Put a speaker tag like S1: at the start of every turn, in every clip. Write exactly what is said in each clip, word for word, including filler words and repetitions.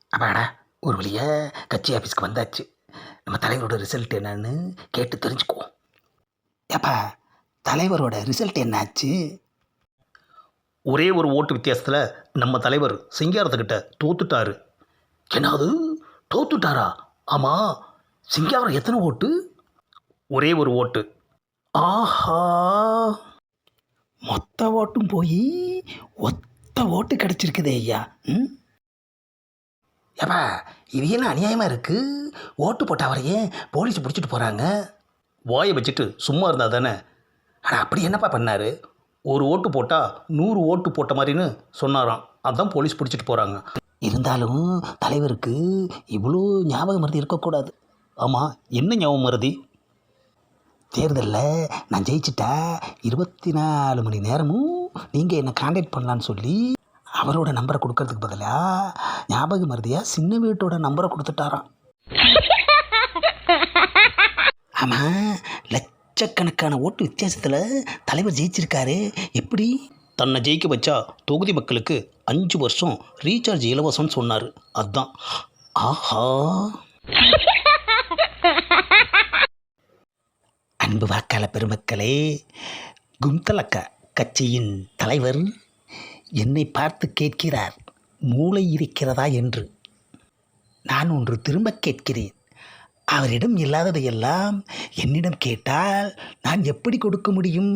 S1: அப்பாடா, ஒரு வழியாக கட்சி ஆஃபீஸ்க்கு வந்தாச்சு. நம்ம தலைவரோட ரிசல்ட் என்னன்னு கேட்டு தெரிஞ்சுக்குவோம். ஏப்பா, தலைவரோட ரிசல்ட் என்னாச்சு? ஒரே ஒரு ஓட்டு வித்தியாசத்தில் நம்ம தலைவர் சிங்காரத்துக்கிட்ட தோத்துட்டாரு. என்னது, தோத்துட்டாரா? ஆமாம், சிங்காரம் எத்தனை ஓட்டு? ஒரே ஒரு ஓட்டு. ஆஹா, மொத்த ஓட்டும் போய் ஒத்த ஓட்டு கிடச்சிருக்குதே ஐயா. ம் ஏப்பா, இது என்ன அநியாயமாக இருக்குது? ஓட்டு போட்ட அவரையே போலீஸ் பிடிச்சிட்டு போகிறாங்க. வாயை வச்சுட்டு சும்மா இருந்தால் தானே. ஆனால் அப்படி என்னப்பா பண்ணார்? ஒரு ஓட்டு போட்டால் நூறு ஓட்டு போட்ட மாதிரின்னு சொன்னாராம். அதான் போலீஸ் பிடிச்சிட்டு போகிறாங்க. இருந்தாலும் தலைவருக்கு இவ்வளோ ஞாபகம் மருதி இருக்கக்கூடாது. ஆமாம், என்ன ஞாபகம் மருதி? தேர்தலில் நான் ஜெயிச்சிட்டா இருபத்தி நாலு மணி நேரமும் நீங்கள் என்னை காண்டாக்ட் பண்ணலான்னு சொல்லி அவரோட நம்பரை கொடுக்கறதுக்கு பதிலாக ஞாபக மருதியாக சின்ன வீட்டோட நம்பரை கொடுத்துட்டாராம். ஆமாம், லட்சக்கணக்கான ஓட்டு வித்தியாசத்தில் தலைவர் ஜெயிச்சிருக்காரு. எப்படி? தன்னை ஜெயிக்க வச்சா தொகுதி மக்களுக்கு அஞ்சு வருஷம் ரீசார்ஜ் இலவசம்னு சொன்னார். அதுதான். ஆஹா, அன்பு வாக்காள பெருமக்களே, கும்தலக்கா கட்சியின் தலைவர் என்னை பார்த்து கேட்கிறார், மூளை இருக்கிறதா என்று. நான் ஒன்று திரும்ப கேட்கிறேன். அவரிடம் இல்லாததையெல்லாம் என்னிடம் கேட்டால் நான் எப்படி கொடுக்க முடியும்?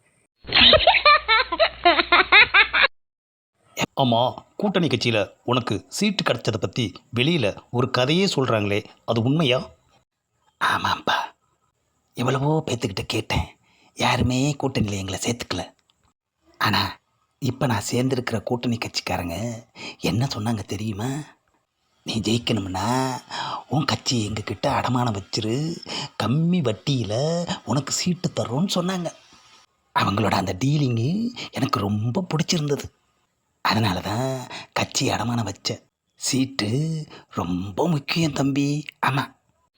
S1: ஆமாம், கூட்டணி கட்சியில் உனக்கு சீட்டு கிடைச்சதை பற்றி வெளியில் ஒரு கதையே சொல்கிறாங்களே, அது உண்மையா? ஆமாம்ப்பா, எவ்வளவோ பேத்துக்கிட்ட கேட்டேன். யாருமே கூட்டணியில் எங்களை சேர்த்துக்கல. ஆனால் இப்போ நான் சேர்ந்துருக்கிற கூட்டணி கட்சிக்காரங்க என்ன சொன்னாங்க தெரியுமா? நீ ஜெயிக்கணும்னா உன் கட்சி எங்ககிட்ட அடமானம் வச்சிரு, கம்மி வட்டியில் உனக்கு சீட்டு தர்றோன்னு சொன்னாங்க. அவங்களோட அந்த டீலிங்கு எனக்கு ரொம்ப பிடிச்சிருந்தது. அதனால தான் கட்சி அடமானம் வச்சேன். சீட்டு ரொம்ப முக்கியம் தம்பி. ஆமாம்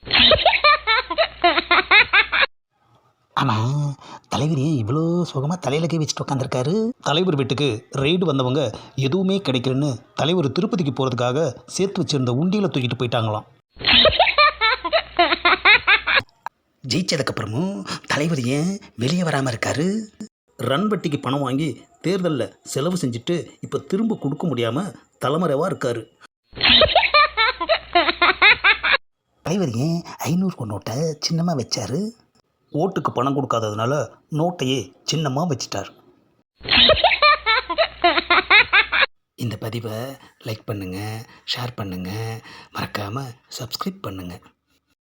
S1: ஆமாம், தலைவர் ஏன் இவ்வளோ சுகமாக தலையில் கை வச்சுட்டு உட்காந்துருக்காரு? தலைவர் வீட்டுக்கு ரெய்டு வந்தவங்க எதுவுமே கிடைக்கலன்னு தலைவர் திருப்பதிக்கு போகிறதுக்காக சேர்த்து வச்சுருந்த உண்டியில் தூக்கிட்டு போயிட்டாங்களாம். ஜெயிச்சதுக்கப்புறமும் தலைவர் ஏன் வெளியே வராமல் இருக்காரு? ரன் வட்டிக்கு பணம் வாங்கி தேர்தலில் செலவு செஞ்சுட்டு இப்போ திரும்ப கொடுக்க முடியாமல் தலைமறைவாக இருக்காரு. தலைவர் ஏன் ஐநூறு நோட்டை சின்னமாக வச்சாரு? ஓட்டுக்கு பணம் கொடுக்காததுனால நோட்டையே சின்னமாக வச்சிட்டார். இந்த பதிவை லைக் பண்ணுங்கள், ஷேர் பண்ணுங்கள், மறக்காமல் சப்ஸ்கிரைப் பண்ணுங்கள்.